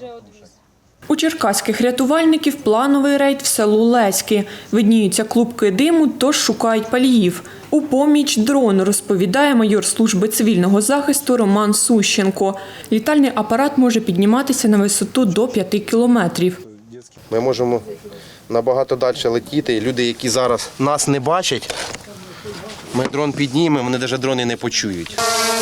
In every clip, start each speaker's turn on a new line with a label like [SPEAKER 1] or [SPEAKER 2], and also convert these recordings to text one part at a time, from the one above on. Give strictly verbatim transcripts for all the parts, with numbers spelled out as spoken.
[SPEAKER 1] У черкаських рятувальників плановий рейд в село Леськи. Видніються клубки диму, тож шукають паліїв. У поміч дрону, розповідає майор служби цивільного захисту Роман Сущенко. Літальний апарат може підніматися на висоту до п'яти кілометрів.
[SPEAKER 2] Ми можемо набагато далі летіти. Люди, які зараз нас не бачать, ми дрон піднімемо, вони навіть дрони не почують.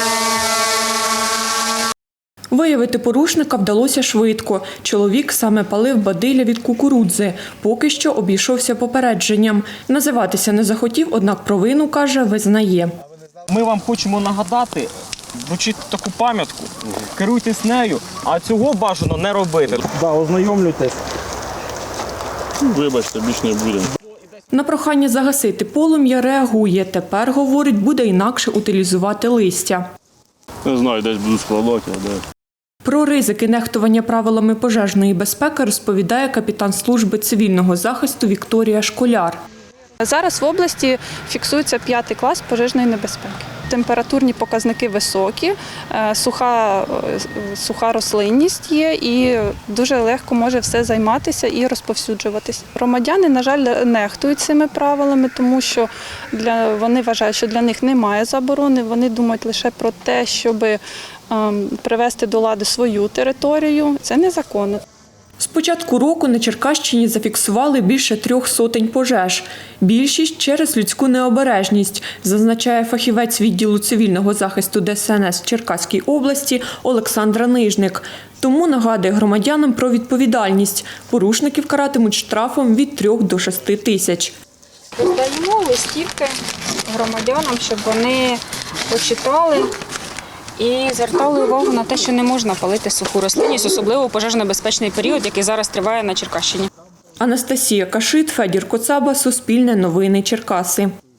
[SPEAKER 1] Виявити порушника вдалося швидко. Чоловік саме палив бадилля від кукурудзи. Поки що обійшовся попередженням. Називатися не захотів, однак провину, каже, визнає.
[SPEAKER 3] Ми вам хочемо нагадати, вручити таку пам'ятку, керуйтесь нею, а цього бажано не робити.
[SPEAKER 4] Да, ознайомлюйтесь.
[SPEAKER 5] Вибачте, більше не будемо.
[SPEAKER 1] На прохання загасити полум'я реагує. Тепер, говорить, буде інакше утилізувати листя.
[SPEAKER 5] Не знаю, десь буду складати, а де.
[SPEAKER 1] Про ризики нехтування правилами пожежної безпеки розповідає капітан служби цивільного захисту Вікторія Школяр.
[SPEAKER 6] Зараз в області фіксується п'ятий клас пожежної небезпеки. Температурні показники високі, суха, суха рослинність є і дуже легко може все займатися і розповсюджуватись. Громадяни, на жаль, нехтують цими правилами, тому що для, вони вважають, що для них немає заборони, вони думають лише про те, щоб привести до ладу свою територію. Це незаконно.
[SPEAKER 1] З початку року на Черкащині зафіксували більше трьох сотень пожеж. Більшість через людську необережність, зазначає фахівець відділу цивільного захисту Де Се Ен Ес в Черкаській області Олександра Нижник. Тому нагадує громадянам про відповідальність. Порушників каратимуть штрафом від трьох до шести тисяч.
[SPEAKER 6] Роздаємо листівки громадянам, щоб вони почитали і звертали увагу на те, що не можна палити суху рослинність, особливо у пожежно-небезпечний період, який зараз триває на Черкащині.
[SPEAKER 1] Анастасія Кашит, Федір Коцаба, Суспільне новини, Черкаси.